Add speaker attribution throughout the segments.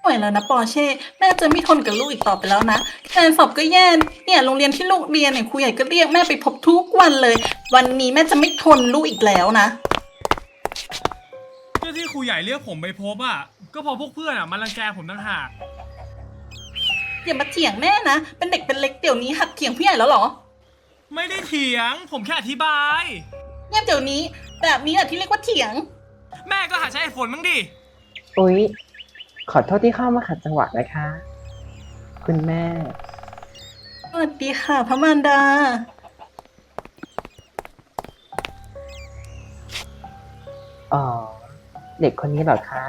Speaker 1: ไหวแล้วนะปอร์เช่แม่จะไม่ทนกับลูกอีกต่อไปแล้วนะการสอบก็แย่เนี่ยโรงเรียนที่ลูกเรียนเนี่ยครูใหญ่ก็เรียกแม่ไปพบทุกวันเลยวันนี้แม่จะไม่ทนลูกอีกแล้วนะ
Speaker 2: ก็ที่ครูใหญ่เรียกผมไปพบอ่ะก็เพอพวกเพื่อนอ่ะมันรังแกผมต่างหาก
Speaker 1: อย่ามาเถียงแม่นะเป็นเด็กเป็นเล็กเดี๋ยวนี้หัดเถียงผู้ใหญ่แล้วเหรอ
Speaker 2: ไม่ได้เถียงผมแค่อธิบาย
Speaker 1: เงียบเดี๋ยวนี้แบบนี้แหละที่เรียกว่าเถียง
Speaker 2: แม่ก็หาใช้เหตุผลบ้างดิ
Speaker 3: อุ๊ยขอโทษที่เข้ามาขัดจังหวะนะคะ คุณแม่
Speaker 1: สวัสดีค่ะพระมารดา
Speaker 3: อ๋อ เด็กคนนี้เหรอคะ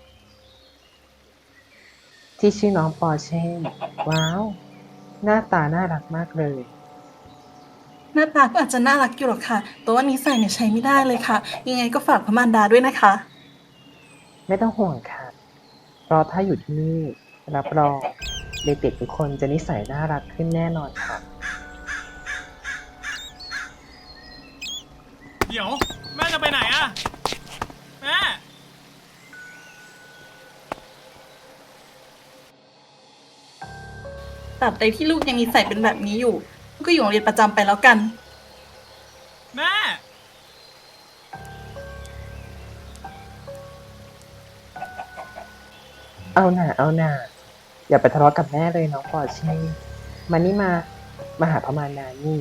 Speaker 3: ที่ชื่อน้องปอร์เช่ ว้าว หน้าตาน่ารักมากเลย
Speaker 1: หน้าตาก็อาจจะน่ารักอยู่หรอกค่ะแต่ว่านิสัยเนี่ยใช้ไม่ได้เลยค่ะยังไงก็ฝากพระมารดาด้วยนะคะ
Speaker 3: ไม่ต้องห่วงค่ะ เพราะถ้าอยู่ที่นี่รับรองเด็กๆทุกคนจะนิสัยน่ารักขึ้นแน่นอนค่ะ
Speaker 2: เดี๋ยวแม่จะไปไหนอ่ะแม่
Speaker 1: ตราบใดที่ลูกยังนิสัยเป็นแบบนี้อยู่ลูกก็อยู่โรงเรียนประจำไปแล้วกัน
Speaker 2: แม่
Speaker 3: เอาหน่าเอาหน่าอย่าไปทะเลาะกับแม่เลยน้องปอร์เช่ มานี่มาหาพระมารดานี่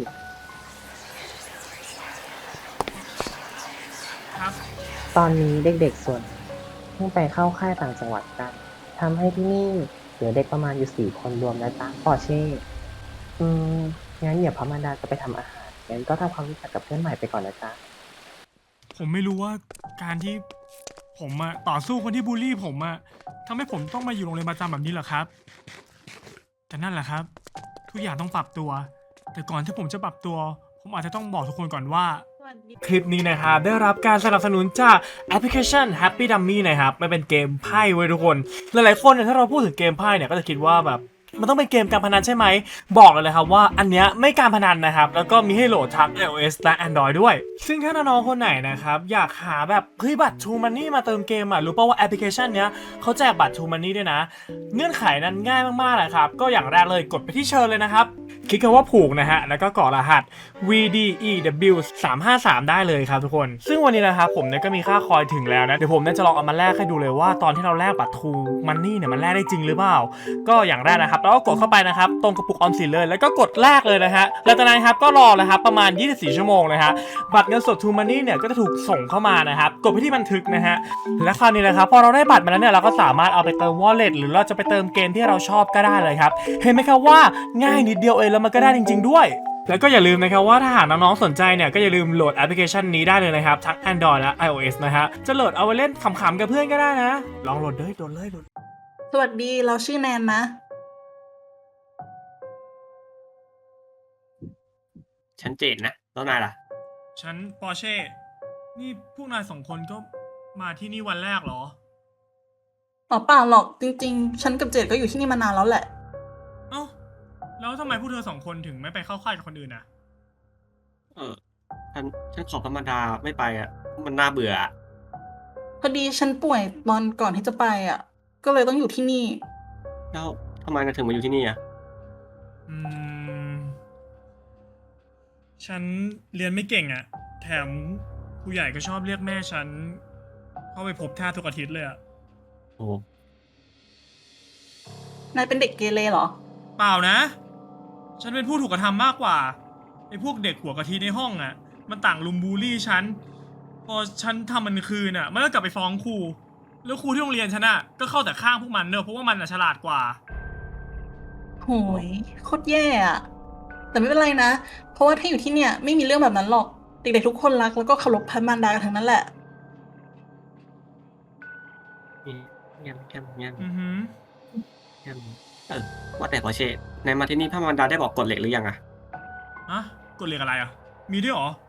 Speaker 2: ครับ
Speaker 3: ตอนนี้เด็กๆส่วนเพิ่งไปเข้าค่ายต่างจังหวัดกันทำให้ที่นี่เหลือเด็กประมาณอยู่4 คนรวมนะจ๊ะปอร์เช่อืมงั้นเดี๋ยวพระมารดาจะไปทำอาหารงั้นก็ทำความรู้จักกับเพื่อนใหม่ไปก่อนนะจ๊ะ
Speaker 2: ผมไม่รู้ว่าการที่ผมอะต่อสู้คนที่บูลลี่ผมอะทำให้ผมต้องมาอยู่โรงเรียนประจำแบบนี้เหรอครับแต่นั่นแหละครับทุกอย่างต้องปรับตัว แต่ก่อนที่ผมจะปรับตัว ผมอาจจะต้องบอกทุกคนก่อนว่า คลิปนี้นะครับได้รับการสนับสนุนจากแอปพลิเคชัน Happy Dummy นะครับมันเป็นเกมไพ่เว้ยทุกคนหลายๆคนเนี่ยถ้าเราพูดถึงเกมไพ่เนี่ยก็จะคิดว่าแบบมันต้องเป็นเกมการพนันใช่ไหมบอกเลยนะครับว่าอันเนี้ยไม่การพนันนะครับแล้วก็มีให้โหลดทั้ง iOS และ Android ด้วยซึ่งถ้าน้องๆคนไหนนะครับอยากหาแบบเฮ้ยบัตร True Money มาเติมเกมอ่ะรู้ป่าวว่าแอปพลิเคชันเนี้ยเขาแจกบัตร True Money ด้วยนะเงื่อนไขนั้นง่ายมากๆนะครับก็อย่างแรกเลยกดไปที่เชิญเลยนะครับคลิกคำว่าผูกนะฮะแล้วก็กรอกรหัส VDEW 353ได้เลยครับทุกคนซึ่งวันนี้นะครับผมเนี่ยก็มีค่าคอยถึงแล้วนะเดี๋ยวผมเนี่ยจะลองเอามาแลกให้ดูเลยว่าตอนที่เราแลกบัตร True Money เนี่ยมันแลกได้จริงหรือเปล่าก็อย่างแรกนะครับเราก็กดเข้าไปนะครับตรงกระปุกออมสินเลยแล้วก็กดแลกเลยนะฮะแล้วจากนั้นครับก็รอนะครับประมาณ24ชั่วโมงนะฮะบัตรเงินสด True Money เนี่ยก็จะถูกส่งเข้ามานะครับกดไปที่บันทึกนะฮะและคราวนี้นะครับพอเราได้บัตรมาแล้วเนี่ยเราก็สามารถเอาไปเติม Wallet หรือเราจะไปเติมเกมที่เราชอบก็ได้เลยครับเห็นไหมครับว่าง่ายนิดเดียวเองแล้วมันก็ได้จริงๆด้วยแล้วก็อย่าลืมนะครับว่าถ้าหากน้องๆสนใจเนี่ยก็อย่าลืมโหลดแอปพลิเคชันนี้ได้เลยนะครับทั้ง Android และ iOS นะฮะจะโหลดเอาไว้เล่นขำๆกับเพื่อนก็ได้นะลองโหลดเลยโหลดเลย
Speaker 1: สวัสดีเราชื่อแนนนะ
Speaker 4: ฉันเจดนะแล้วนายล่ะ
Speaker 2: ฉันปอร์เช่ นี่พวกนาย2 คนก็มาที่นี่วันแรกเหรอ
Speaker 1: อ๋อเปล่าหรอกจริงๆ ฉันกับเจดก็อยู่ที่นี่มานานแล้วแหละ
Speaker 2: เอ้า แล้วทำไมพวกเธอ2 คนถึงไม่ไปเข้าค่ายกับคนอื่นอ่ะ
Speaker 4: เออฉันขอพระมารดาไม่ไปอ่ะ มันน่าเบื่ออะ
Speaker 1: พอดีฉันป่วยตอนก่อนที่จะไปอ่ะ ก็เลยต้องอยู่ที่นี่
Speaker 4: แล้วทำไมนายถึงมาอยู่ที่นี่อ่ะ
Speaker 2: อืม ฉันเรียนไม่เก่งอ่ะ แถมผู้ใหญ่ก็ชอบเรียกแม่ฉันเข้าไปพบแทบทุกอาทิตย์เลยอ่ะ
Speaker 4: โอ้
Speaker 1: นายเป็นเด็กเกเรเหรอ
Speaker 2: เปล่านะ ฉันเป็นผู้ถูกกระทำมากกว่าไอ้พวกเด็กหัวกะทิในห้องอ่ะ มันต่างลุมบูลลี่ฉัน พอฉันทำมันคืนอ่ะ มันก็กลับไปฟ้องครู แล้วครูที่โรงเรียนฉันอ่ะ ก็เข้าแต่ข้างพวกมันเนอะเพราะว่ามันอ่ะฉลาดกว่า
Speaker 1: โหยโคตรแย่อะแต่ไม่เป็นไรนะ เพราะว่าถ้าอยู่ที่เนี่ยไม่มีเรื่องแบบนั้นหรอก เด็กๆทุกคนรักแล้วก็เคารพพระมารดากันทั้งนั้นแหละ
Speaker 4: เงียบเงียบเงียบ
Speaker 2: อือหือ
Speaker 4: เงียบว่าแต่พอเช่นายมาที่นี่พระมารดาได้บอกกฎเหล็กหรือยังอ่ะ
Speaker 2: อะกฎเหล็กอะไรอ่ะ มีด้วยเหรอ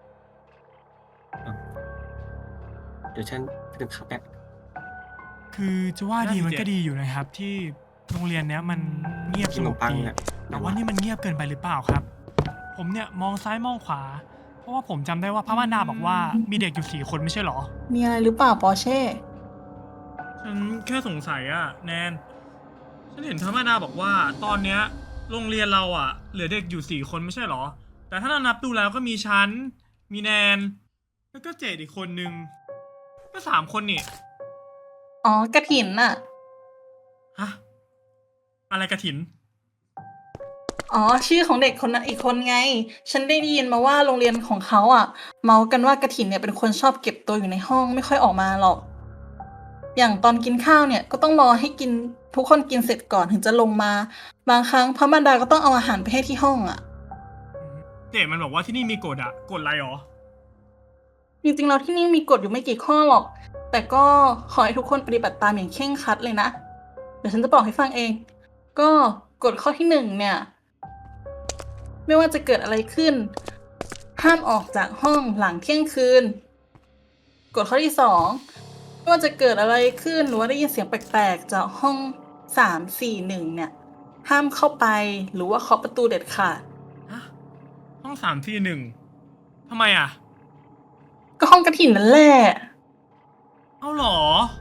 Speaker 4: เดี๋ยวฉันไปดื่มข้าวแป๊บ
Speaker 2: คือจะว่าดีมันก็ดีอยู่นะครับ ที่โรงเรียนเนี้ยมันเงียบ
Speaker 4: กิ
Speaker 2: ส
Speaker 4: นข
Speaker 2: ง
Speaker 4: น
Speaker 2: บ
Speaker 4: มปัง
Speaker 2: ดี
Speaker 4: อ่ะ
Speaker 2: แต่ว่านี่มันเงียบเกินไปหรือเปล่าครับ ผมเนี่ยมองซ้ายมองขวา เพราะว่าผมจำได้ว่าพระมารดาบอกว่ามีเด็กอยู่4 คนไม่ใช่เหรอ
Speaker 1: มีอะไรหรือเปล่าปอร์เช่
Speaker 2: ฉันแค่สงสัยอะแนน ฉันเห็นธรรมดาบอกว่าตอนเนี้ยโรงเรียนเราอะเหลือเด็กอยู่4 คนไม่ใช่เหรอ แต่ถ้านับดูแล้วก็มีฉัน มีแนน แล้วก็เจดอีกคนนึง ก็3 คนนี่
Speaker 1: อ๋อกระถินน่ะ
Speaker 2: ฮะ อะไรกระถิน
Speaker 1: อ๋อชื่อของเด็กคนนั้นอีกคนไง ฉันได้ยินมาว่าโรงเรียนของเขาอ่ะ เมากันว่ากระถินเนี่ยเป็นคนชอบเก็บตัวอยู่ในห้องไม่ค่อยออกมาหรอก อย่างตอนกินข้าวเนี่ยก็ต้องรอให้กินทุกคนกินเสร็จก่อนถึงจะลงมา บางครั้งพระมารดาก็ต้องเอาอาหารไปให้ที่ห้องอ่ะ
Speaker 2: เจดมันบอกว่าที่นี่มีกฎอะกฎอะไรหรอ
Speaker 1: จริงๆเราที่นี่มีกฎอยู่ไม่กี่ข้อหรอก แต่ก็ขอให้ทุกคนปฏิบัติตามอย่างเคร่งครัดเลยนะ เดี๋ยวฉันจะบอกให้ฟังเอง ก็กฎข้อที่1เนี่ย ไม่ว่าจะเกิดอะไรขึ้น ห้ามออกจากห้องหลังเที่ยงคืน กฎข้อที่2ไม่ว่าจะเกิดอะไรขึ้นหรือว่าได้ยินเสียงแปลกๆจากห้อง341เนี่ย ห้ามเข้าไปหรือว่าเคาะประตูเด็ดขาด
Speaker 2: ฮะ ห้อง341ทำไมอะ
Speaker 1: ก็ห้องกระถิ่นนั่นแหละ
Speaker 2: เอาเหรอ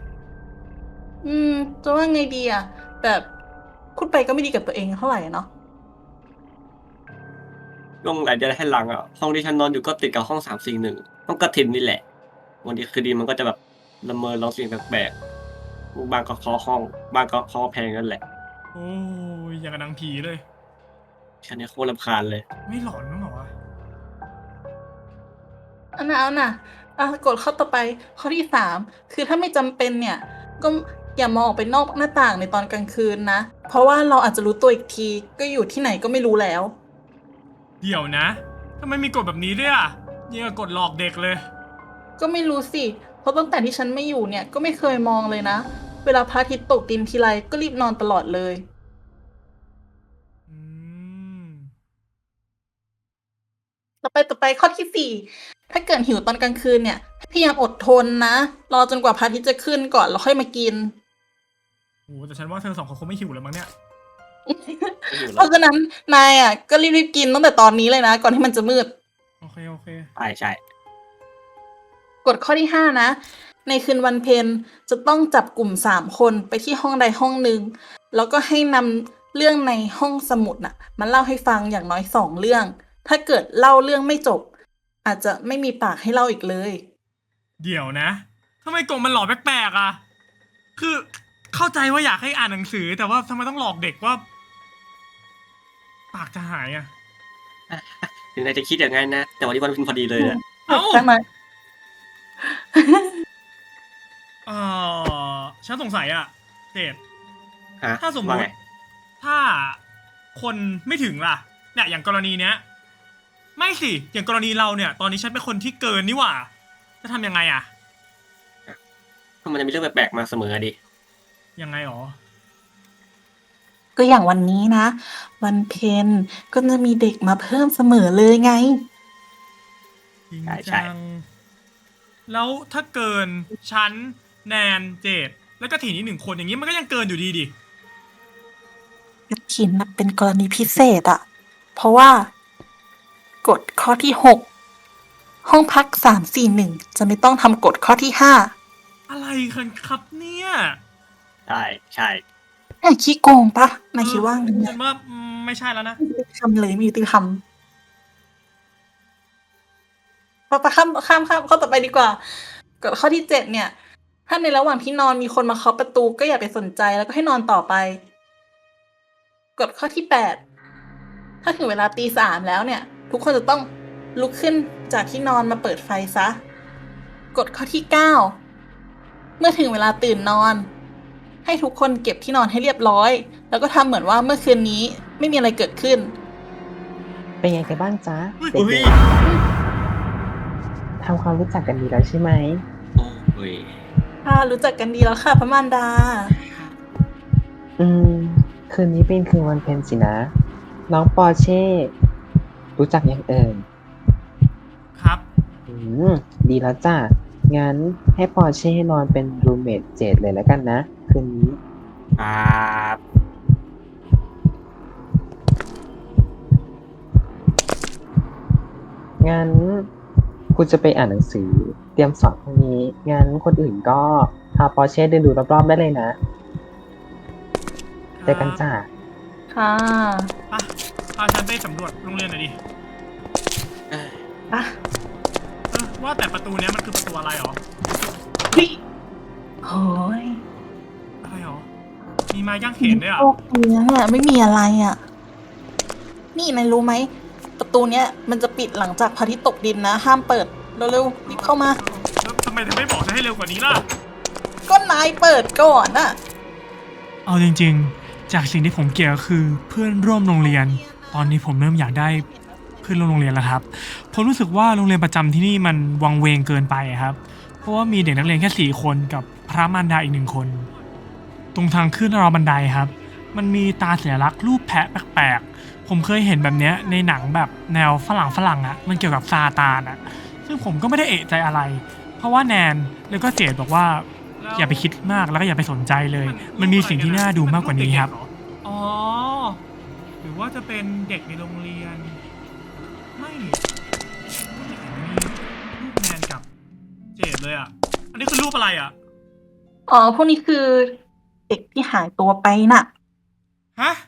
Speaker 1: จะว่าไงดีอะแบบพูดไปก็ไม่ดีกับตัวเองเท่าไหร่เนาะ
Speaker 4: ช่วงหลายเดือนให้หลังอ่ะห้องที่ฉันนอนอยู่ก็ติดกับห้อง341ห้องกระถินนี่แหละวันดีคืนดีมันก็จะแบบละเมอร้องเสียงแปลกๆบางก็เคาะห้องบางก็เคาะแพงนั่นแหละ
Speaker 2: โอ้ยอย่างกับหนังผีเลย
Speaker 4: ฉันเนี่ยโคตรรำคาญเลย
Speaker 2: ไม่หลอนมั้งเหรอวะ
Speaker 1: เอาน่ะกดข้อต่อไปข้อที่3คือถ้าไม่จำเป็นเนี่ย ก็อย่ามองออกไปนอกหน้าต่างในตอนกลางคืนนะ เพราะว่าเราอาจจะรู้ตัวอีกทีก็อยู่ที่ไหนก็ไม่รู้แล้ว
Speaker 2: เดี๋ยวนะทำไมมีกฎแบบนี้ด้วยอะยังกับกฎหลอกเด็กเลย
Speaker 1: ก็ไม่รู้สิ เพราะตั้งแต่ที่ฉันไม่อยู่เนี่ยก็ไม่เคยมองเลยนะ เวลาพระอาทิตย์ตกดินทีไรก็รีบนอนตลอดเลย
Speaker 2: อืม
Speaker 1: ต่อไปข้อที่4ถ้าเกิดหิวตอนกลางคืนเนี่ยให้พยายามอดทนนะ รอจนกว่าพระอาทิตย์จะขึ้นก่อนแล้วค่อยมากิน
Speaker 2: โอ้แต่ฉันว่าเธอ2 คนคงไม่หิวแล้วมั้งเนี่ย
Speaker 4: ไม่อยู่
Speaker 1: เพ
Speaker 4: แล้ว
Speaker 1: ราะฉะนั้นนายอ่ะก็รีบๆกินตั้งแต่ตอนนี้เลยนะ ก่อนที่มันจะมืด
Speaker 2: โอเค โอเค
Speaker 4: ใช่
Speaker 1: กฎข้อที่5นะ ในคืนวันเพ็ญจะต้องจับกลุ่ม3 คนไปที่ห้องใดห้องหนึ่งแล้วก็ให้นำเรื่องในห้องสมุดน่ะมาเล่าให้ฟังอย่างน้อย2 เรื่อง ถ้าเกิดเล่าเรื่องไม่จบ อาจจะไม่มีปากให้เล่าอีกเลย
Speaker 2: เดี๋ยวนะทำไมกฎมันหลอกแปลกๆอะคือเข้าใจว่าอยากให้อ่านหนังสือ แต่ว่าทำไมต้องหลอกเด็กว่า ปากจะหายอะ
Speaker 4: ถึงนายจะคิดอย่างนั้นนะ แต่วันนี้วันเพ็ญพอดีเลยอะ
Speaker 2: เอ้า
Speaker 1: ใช่ไหม
Speaker 2: ฉันสงสัยอะเจด
Speaker 4: ฮะ
Speaker 2: ถ้าสมม
Speaker 4: ว่า
Speaker 2: ติ
Speaker 4: ไง
Speaker 2: ถ้าคนไม่ถึงล่ะ เนี่ยอย่างกรณีเนี้ย ไม่สิ อย่างกรณีเราเนี่ย ตอนนี้ฉันเป็นคนที่เกินนี่หว่า จะทำยังไงอะ
Speaker 4: ถ้ามันจะมีเรื่องแปลกๆมาเสมอดิ
Speaker 2: ยังไงหรอ
Speaker 1: ก็อย่างวันนี้นะ วันเพ็ญก็จะมีเด็กมาเพิ่มเสมอเลยไง
Speaker 2: จริง
Speaker 4: ใช่
Speaker 2: จัง แล้วถ้าเกินฉันแนนเจดแล้วก็ถิ่นอีก1 คนอย่างนี้มันก็ยังเกินอยู่ดีดิ
Speaker 1: กฐินน่ะเป็นกรณีพิเศษอะเพราะว่ากฎข้อที่6ห้องพัก341จะไม่ต้องทำกฎข้อที่5
Speaker 2: อะไรกันครับเนี่ย
Speaker 4: ใช่
Speaker 1: นายขี้โกงปะนายคิดว่าไง
Speaker 2: ฉันว่าไม่ใช่แล้วนะ
Speaker 1: ไม่ยุติธรรมเลยไม่ยุติธรรมไปข้ามข้อต่อไปดีกว่ากฎข้อที่7เนี่ย ถ้าในระหว่างที่นอนมีคนมาเคาะประตูก็อย่าไปสนใจแล้วก็ให้นอนต่อไปกฎข้อที่8ถ้าถึงเวลาตี 3แล้วเนี่ย ทุกคนจะต้องลุกขึ้นจากที่นอนมาเปิดไฟซะกฎข้อที่9เมื่อถึงเวลาตื่นนอน ให้ทุกคนเก็บที่นอนให้เรียบร้อย แล้วก็ทำเหมือนว่าเมื่อคืนนี้ไม่มีอะไรเกิดขึ้น
Speaker 3: เป็นไงกันบ้างจ๊ะ
Speaker 2: อุ๊ย
Speaker 3: เด็กๆทำความรู้จักกันดีแล้วใช่ไหม
Speaker 4: โอ้ย
Speaker 1: ค่ะรู้จักกันดีแล้วค่ะพระมารดา
Speaker 3: คืนนี้เป็นคืนวันเพ็ญสินะ น้องปอร์เช่ รู้จักยังเอ่ย
Speaker 2: ครับ
Speaker 3: ดีแล้วจ้ะ งั้นให้ปอร์เช่นอนเป็นรูมเมทเจดเลยแล้วกันนะ คืนนี้
Speaker 4: ครับ
Speaker 3: งั้นคุณจะไปอ่านหนังสือ เตรียมสอบพรุ่งนี้ งั้นคนอื่นก็พาปอร์เช่เดินดูรอบๆได้เลยนะเจอกันจ้า
Speaker 1: ค่ะ
Speaker 2: ไปพาฉันไปสำรวจโรงเรียนหน่อยดิ
Speaker 4: เอ้ย
Speaker 1: อ่ะ
Speaker 2: ว่าแต่ประตูเนี้ยมันคือประตูอะไรหรอ
Speaker 1: พี่โอ้ย
Speaker 2: อะไรหรอ มีไม้ย่างเขนด้วยอ่ะ
Speaker 1: โลกเนี้ยไม่มีอะไรอ่ะ นี่นายรู้ไหม ประตูเนี้ยมันจะปิดหลังจากพระอาทิตย์ตกดินนะ ห้ามเปิด เร็วๆรีบเข้ามา
Speaker 2: แล้วทำไมเธอไม่บอกฉันให้เร็วกว่านี้ล่ะ
Speaker 1: ก็นายเปิดก่อนน่ะ
Speaker 2: เอาจริงๆ จากสิ่งที่ผมเกลียดก็คือเพื่อนร่วมโรงเรียน ตอนนี้ผมเริ่มอยากได้เพื่อนร่วมโรงเรียนแล้วครับ ผมรู้สึกว่าโรงเรียนประจำที่นี่มันวังเวงเกินไปอะครับ เพราะว่ามีเด็กนักเรียนแค่4 คนกับพระมารดาอีก1 คน ตรงทางขึ้นราวบันไดครับ มันมีตาสัญลักษณ์รูปแพะแปลกๆ ผมเคยเห็นแบบเนี้ยในหนังแบบแนวฝรั่งอะมันเกี่ยวกับซาตานอะซึ่งผมก็ไม่ได้เอะใจอะไร เพราะว่าแนนแล้วก็เจดบอกว่าอย่าไปคิดมากแล้วก็อย่าไปสนใจเลย มันมีสิ่งที่น่าดูมากกว่านี้ครับ อ๋อ หรือว่าจะเป็นเด็กในโรงเรียน ไม่นี่รูปแนนกับเจดเลยอ่ะ อันนี้คือรูปอะไรอ่ะ
Speaker 1: อ๋อ พวกนี้คือเด็กที่หายตัวไปน่ะ
Speaker 2: ฮะ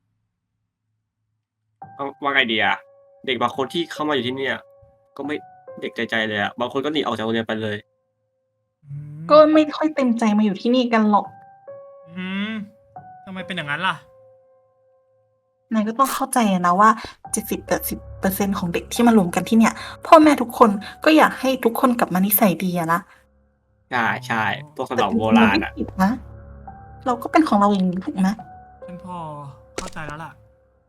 Speaker 4: เอาว่าไงดีอะเด็กบางคนที่เข้ามาอยู่ที่เนี่ย ก็ไม่เด็กใจเลยอะบางคนก็หนีออกจากโรงเรียนไปเลย
Speaker 1: ก็ไม่ค่อยเต็มใจมาอยู่ที่นี่กันหรอก
Speaker 2: อืมทำไมเป็นอย่างนั้นล่ะ
Speaker 1: นายก็ต้องเข้าใจนะว่า 70-80%ของเด็กที่มารวมกันที่เนี่ย พ่อแม่ทุกคนก็อยากให้ทุกคนกลับมานิสัยดีอะนะ
Speaker 4: ใช่ใช่พวกขน
Speaker 1: แต่
Speaker 4: ม
Speaker 1: จริง
Speaker 4: โบ
Speaker 1: ๆเรา
Speaker 4: ราณ
Speaker 1: ไม่
Speaker 4: อะ
Speaker 1: ผิดนะ เราก็เป็นของเราเองถูกไหม
Speaker 2: ฉันพอเข้าใจแล้วล่ะ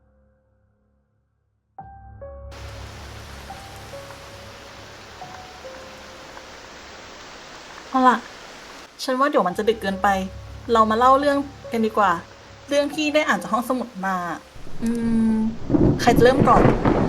Speaker 1: เอาล่ะ ฉันว่าเดี๋ยวมันจะดึกเกินไป เรามาเล่าเรื่องกันดีกว่า เรื่องที่ได้อ่านจากห้องสมุดมา อืม ใครจะเริ่มก่อน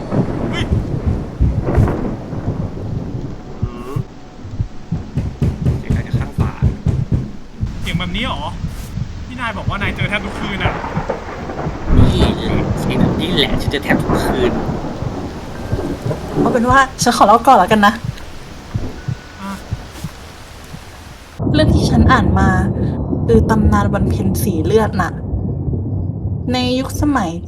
Speaker 4: อืมเสียงใครจะข้างฝา
Speaker 2: เสียงแบบนี้เหรอ ที่นายบอกว่านายเจอแทบทุกคืนอ่ะ
Speaker 4: นี่แหละเสียงแบบนี้แหละฉันจะแทบทุกคืน
Speaker 1: เอาเป็นว่าฉันขอเล่าก่อนแล้วกันนะ
Speaker 2: อ่ะ
Speaker 1: เรื่องที่ฉันอ่านมาคือตำนานวันเพ็ญสีเลือดน่ะ ในยุคสมัย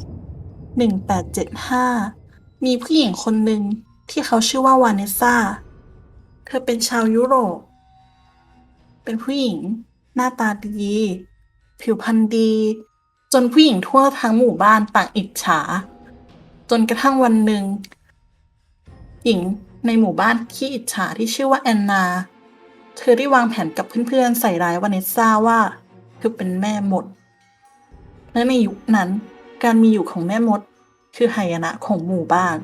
Speaker 1: 1875 มีผู้หญิงคนหนึ่งที่เขาชื่อว่าวาเนสซา เธอเป็นชาวยุโรป เป็นผู้หญิงหน้าตาดี ผิวพรรณดี จนผู้หญิงทั่วทั้งหมู่บ้านต่างอิจฉา จนกระทั่งวันหนึ่ง หญิงในหมู่บ้านที่อิจฉาที่ชื่อว่าแอนนา เธอได้วางแผนกับเพื่อนๆใส่ร้ายวาเนสซาว่าเธอเป็นแม่มด และในยุคนั้นการมีอยู่ของแม่มดคือหายนะของหมู่บ้าน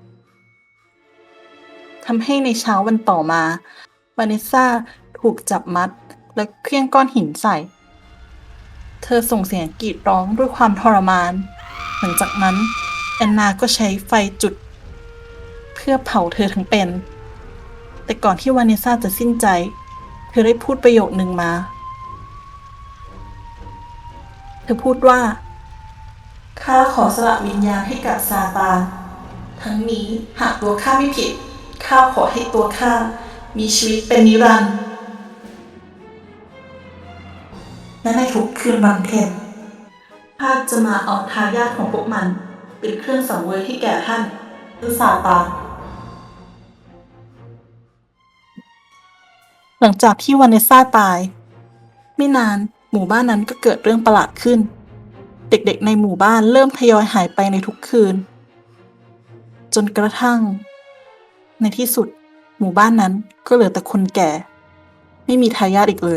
Speaker 1: ทำให้ในเช้าวันต่อมาวาเนสซาถูกจับมัดและเคลี้ยงก้อนหินใส่ เธอส่งเสียงกรีดร้องด้วยความทรมาน หลังจากนั้นแอนนาก็ใช้ไฟจุด เพื่อเผาเธอทั้งเป็น แต่ก่อนที่วาเนสซาจะสิ้นใจ เธอได้พูดประโยคนึงมา เธอพูดว่า ข้าขอสละวิญญาณให้กับซาตาน ทั้งนี้หากตัวข้าไม่ผิด ข้าขอให้ตัวข้ามีชีวิตเป็นนิรันดร์และในทุกคืนวันเพ็ญข้าจะมาเอาทายาทของพวกมัน เป็นเครื่องสังเวยให้แก่ท่านคือซาตาน หลังจากที่วาเนสซาตาย ไม่นานหมู่บ้านนั้นก็เกิดเรื่องประหลาดขึ้น เด็กๆในหมู่บ้านเริ่มทยอยหายไปในทุกคืน จนกระทั่ง ในที่สุด หมู่บ้านนั้นก็เหลือแต่คนแก่ ไม่มีทายาทอีกเลย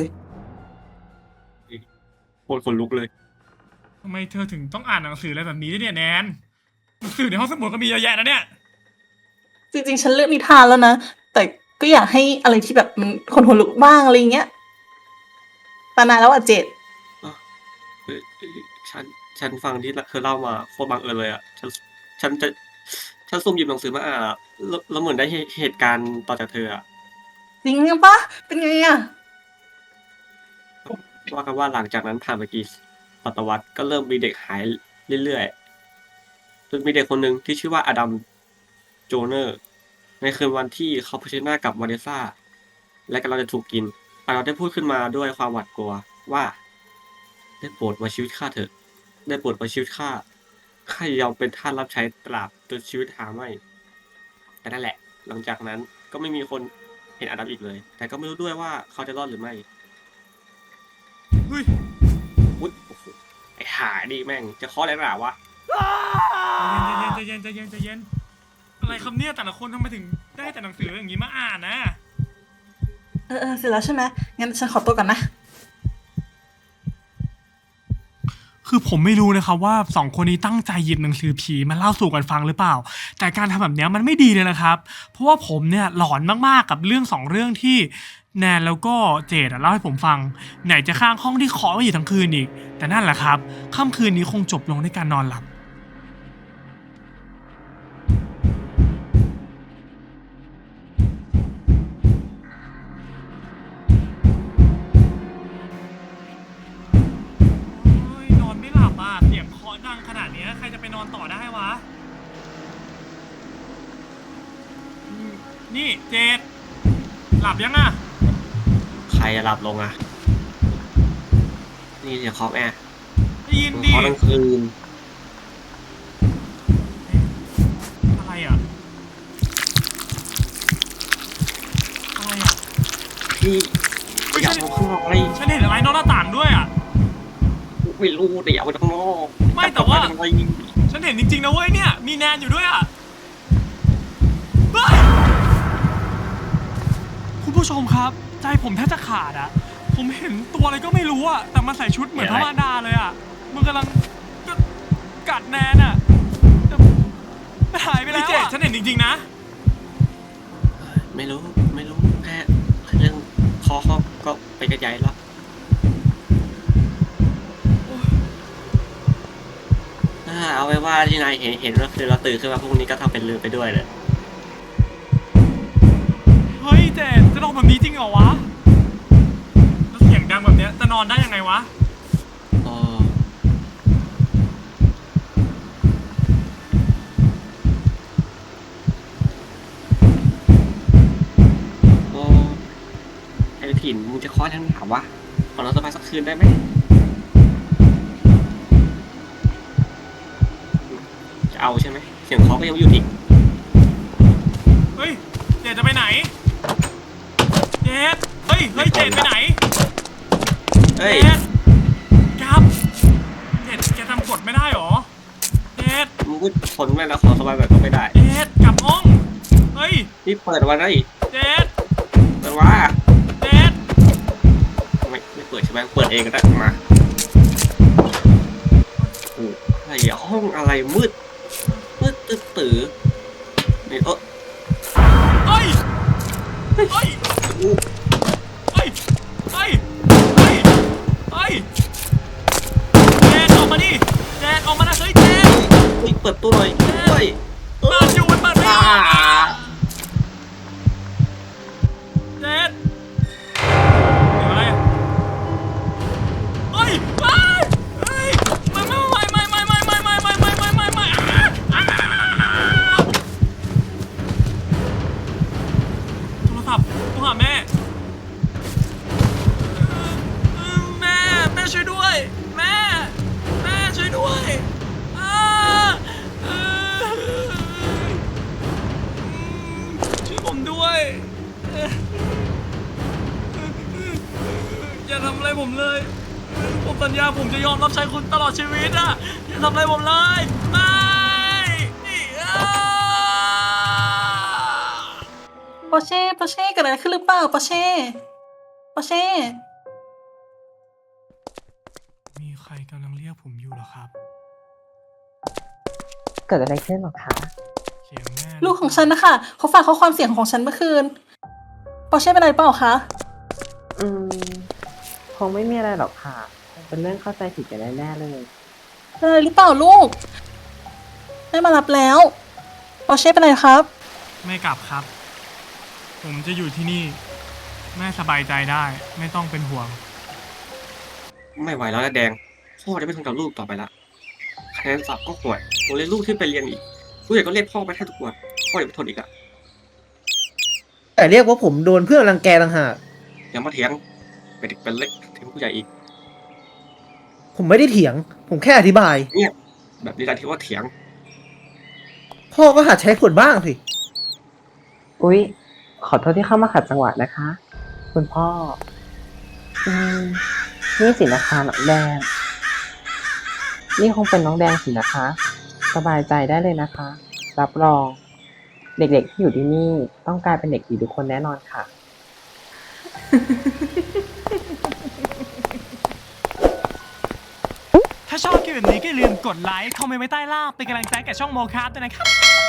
Speaker 4: โคตรขนลุกเลย
Speaker 2: ทำไมเธอถึงต้องอ่านหนังสืออะไรแบบนี้ด้วยเนี่ยแนน หนังสือในห้องสมุดก็มีเยอะแยะนะเนี่ย
Speaker 1: จริงๆ ฉันเลือกนิทานแล้วนะ แต่ก็อยากให้อะไรที่แบบมันคนหัวลุกบ้างอะไรเงี้ยตานานแล้วอ่ะเจด
Speaker 4: เอ้ยฉันฟังที่เธอเล่ามาโคตรบังเอิญเลยอ่ะฉันจะฉันซุ่มหยิบหนังสือมาอ่านอะแล้วเหมือนได้เหตุการณ์ต่อจากเธออะ
Speaker 1: จริงปะเป็นไงอ่ะ
Speaker 4: ว่ากันว่าหลังจากนั้นผ่านไปกี่ศตวรรษก็เริ่มมีเด็กหายเรื่อยๆจนมีเด็กคนหนึ่งที่ชื่อว่าอดัมโจเนอร์ในคืนวันที่เขาเผชิญหน้ากับวาเนสซาและกำลังจะถูกกินเราได้พูดขึ้นมาด้วยความหวาดกลัวว่าได้โปรดไว้ชีวิตข้าเถอะได้โปรดไว้ชีวิตข้ายอมเป็นทาสรับใช้ตราบจนชีวิตหาไม่แต่นั่นแหละ หลังจากนั้นก็ไม่มีคนเห็นอาดัมอีกเลย แต่ก็ไม่รู้ด้วยว่าเขาจะรอดหรือไม่
Speaker 2: เฮ้ย
Speaker 4: อุ๊ยโอ้โหไอ้ห่านี่แม่งจะเคาะอะไรหนาวะ
Speaker 2: ใจเย็นอะไรครับเนี่ยแต่ละคนทำไมถึงได้แต่หนังสืออย่างนี้มาอ่านนะ
Speaker 1: เสร็จแล้วใช่ไหมงั้นฉันขอตัวก่อนนะ
Speaker 2: คือผมไม่รู้นะครับว่าสองคนนี้ตั้งใจหยิบหนังสือผีมาเล่าสู่กันฟังหรือเปล่า แต่การทำแบบเนี้ยมันไม่ดีเลยนะครับ เพราะว่าผมเนี่ยหลอนมากๆกับเรื่อง2เรื่องที่แนนแล้วก็เจดเล่าให้ผมฟัง ไหนจะข้างห้องที่เคาะไว้อยู่ทั้งคืนอีก แต่นั่นแหละครับค่ำคืนนี้คงจบลงด้วยการนอนหลับ โอ้ยนอนไม่หลับอ่ะเสียงเคาะดังขนาดเนี้ยใครจะไปนอนต่อได้วะนี่เจดหลับยังอ่ะ
Speaker 4: ใครจะหลับลงอ่ะ นี่เสียงเคาะแม่
Speaker 2: ได้ยิน
Speaker 4: มึง
Speaker 2: ดิ
Speaker 4: เคาะทั้งคืน
Speaker 2: อะไรอ่ะ อะไรอ่ะ
Speaker 4: พี่อยากเอาข้างนอกเลย
Speaker 2: ฉันเห็นอะไรนอกหน้าต่างด้วยอ่ะ
Speaker 4: ไม่รู้แต่อยากไปข้างนอก
Speaker 2: ไม่แต่ว่า
Speaker 4: จะไปทำไม
Speaker 2: ฉันเห็นจริงๆนะเว้ยเนี่ย มีแนนอยู่ด้วยอ่ะเฮ้ยคุณผู้ชมครับ ใจผมแทบจะขาดอ่ะ ผมเห็นตัวอะไรก็ไม่รู้อ่ะ แต่มันใส่ชุดเหมือนพระมารดาเลยอ่ะ มันกำลังกัดแนนอ่ะแต่มันหายไปแล้วอ่ะฉันเห็นจริงๆนะ
Speaker 4: ไม่รู้แค่เรื่องเคาะก็ไปกระจายแล้วเอาไว้ว่าที่นายเห็นก็คือเราตื่นขึ้นมาพรุ่งนี้ก็ทำเป็นลืมไปด้วยเลย
Speaker 2: เฮ้ยเจนจะนอนแบบนี้จริงเหรอวะ แล้วเสียงดังแบบเนี้ยจะนอนได้ยังไงวะ
Speaker 4: อ๋อไอ้ถิ่นมึงจะเคาะทั้งถามว่าขอเราสบายสักคืนได้ไหมจะเอาใช่ไหมเสียงเคาะก็ยังไม่หยุดอีก
Speaker 2: เฮ้ยเจนจะไปไหน เจนเฮ้ยเจนไปไหน
Speaker 4: เฮ้ย
Speaker 2: เจนครับเจนแกทำกฎไม่ได้หรอ เจน
Speaker 4: มึงก็ทนไม่แล้วขอสบายแบบก็ไม่ได้
Speaker 2: เจนกลับห้อง เฮ้ย
Speaker 4: นี่เปิดวันไหน
Speaker 2: เจน
Speaker 4: เปิดว่า
Speaker 2: เจน
Speaker 4: ไม่เปิดใช่ไหมเปิดเองก็ได้มาโอ้อะไรอะห้องอะไรมืดตื้อนี่
Speaker 2: เฮ้ย เฮ้ย
Speaker 4: อู้
Speaker 2: เฮ้ย เฮ้ย เฮ้ย เฮ้ยเจนออกมาดิเจนออกมานะเฮ้ยเจน
Speaker 4: นี่เปิดตู้หน่อยเฮ้ย
Speaker 2: เปิดอยู่มันเปิดไม่ออกอะเจนเดี๋ยวอะไรอะเฮ้ยเฮ้ยเฮ้ยไม่โทรศัพท์โทรหาแม่แม่ช่วยด้วยแม่ช่วยด้วยช่วยผมด้วยอย่าทำอะไรผมเลยผมสัญญาผมจะยอมรับใช้คุณตลอดชีวิตอ่ะอย่าทำอะไรผมเลยไม่
Speaker 1: ปอร์เช่เกิดอะไรขึ้นหรือเปล่าปอร์เช่
Speaker 2: มีใครกำลังเรียกผมอยู่เหรอครับ
Speaker 3: เกิดอะไรขึ้นหรอคะ
Speaker 2: เสียงแม่
Speaker 1: ลูกของฉันนะคะเขาฝากข้อความเสียงของฉันเมื่อคืนปอร์เช่เป็นอะไรเปล่าคะ
Speaker 3: คงไม่มีอะไรหรอกค่ะ เป็นเรื่องเข้าใจผิดกันแน่ๆเลย
Speaker 1: เป็นอะไรหรือเปล่าลูกแม่มารับแล้วปอร์เช่เป็นอะไรครับ
Speaker 2: ไม่กลับครับ ผมจะอยู่ที่นี่แม่สบายใจได้ไม่ต้องเป็นห่วง
Speaker 4: ไม่ไหวแล้วนะแดงพ่อจะไม่ทนกับลูกต่อไปละคะแนนสอบก็ห่วยผมเรียนลูกที่ไปเรียนอีกผู้ใหญ่ก็เรียกพ่อไปแทบทุกวันพ่ออย่าไปทนอีกอะ
Speaker 5: แต่เรียกว่าผมโดนเพื่อนรังแกต่างหาก
Speaker 4: อย่ามาเถียงเป็นเด็กเป็นเล็กถึงผู้ใหญ่อีก
Speaker 5: ผมไม่ได้เถียง ผมแค่อธิบาย
Speaker 4: เนี่ยแบบนี้การที่ว่าเถียง
Speaker 5: พ่อก็หัดใช้ผลบ้างสิ
Speaker 3: อุ๊ย ขอโทษที่เข้ามาขัดจังหวะนะคะ คุณพ่อ อืม นี่สินะคะน้องแดง นี่คงเป็นน้องแดงสินะคะ สบายใจได้เลยนะคะ รับรอง เด็กๆที่อยู่ที่นี่ต้องกลายเป็นเด็กดีทุกคนแน่นอนค่ะ
Speaker 2: ถ้าชอบคลิปแบบนี้ก็อย่าลืมกดไลค์ คอมเมนต์ไว้ใต้ล่างเป็นกำลังใจกับช่องโมคาร์ด้วยนะครับ